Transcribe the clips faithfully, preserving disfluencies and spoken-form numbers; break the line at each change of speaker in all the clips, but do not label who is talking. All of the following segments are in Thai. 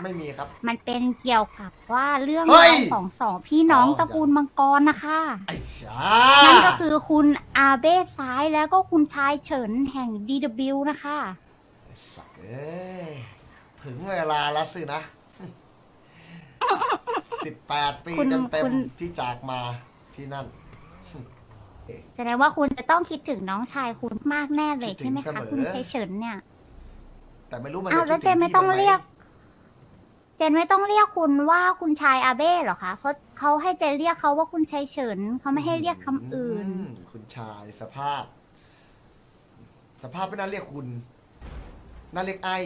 ไม่มีครับ
มันเป็นเกี่ยวกับว่าเรื่อง
เฮ้
ราวย ของสองพี่น้อง
อ๋อ
ตระกูลมังกรนะคะ
ไอ้ชา
นั่นก็คือคุณอาเบ้ซ้ายแล้วก็คุณชายเฉินแห่ง ดี ดับเบิลยู นะคะ
ไอ้สักเอ้ยถึงเวลาแล้วสินะ สิบแปดปี
คุณ
เต็ม
คุณ
ๆที่จากมาที่นั่น
แสดงว่าคุณจะต้องคิดถึงน้องชายคุณมากแน่เลย
คิดถึง
ใช่ไหม
เส
คะ
มอ
คุณชายเฉินเนี่ย
แต่ไม่รู้มัน
อ้าว
จะ
แล้ว
คิด
เจ
ถึ
นไม่
พี่
ต้อง
บ้าห
เรียก เจนไม่ต้องเรียกคุณว่าคุณชายอาเบ้เหรอคะ เพราะเขาให้เจนเรียกเขาว่าคุณชายเฉินเขาไม่ให้เรียกคำอื่น
มคุณชายสภาพ สภาพไม่น่าเรียกคุณน่าเรียกไอ้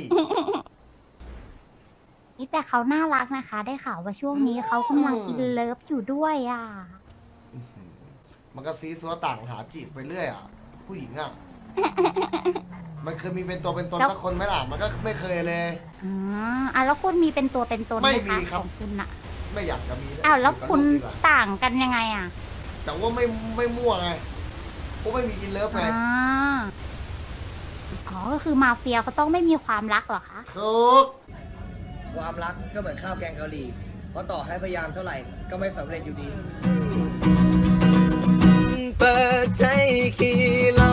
นี่แต่เขาน่ารักนะคะ ได้ข่าวว่าช่วงนี้เขากำลังอินเลิฟอยู่ด้วยอ่ะ
มันก็ซีซัวต่างหาจีบไปเรื่อยอ่ะ ผู้หญิงอ่ะ มันเคยมีเป็นตัวเป็นตน
แล้ว
สักคนไหมล่ะ มันก็ไม่เคยเลย
อ๋ออ่ะแล้วคุณมีเป็นตัวเป็นตนไห
ไม่
ม
มี
คะ
ครับ
ของคุณอะ
ไม่อยากจะมีเย
อ้าวแล้ว
อยู่กับ
คุณ
ลูกดีกว่า
ต่างกันยังไงอ่ะ
แต่ว่าไม่ไม่มั่วไงเพราะไม่มีอินเลิฟไง
อ่าอ๋อก็คือมาเฟียเขาต้องไม่มีความรักเหรอคะ
ถูก
ความรักก็เหมือนข้าวแกงเกาหลี เพราะต่อให้พยายามเท่าไหร่ก็ไม่สำเร็จอยู่ดี เปิดใจขี่ล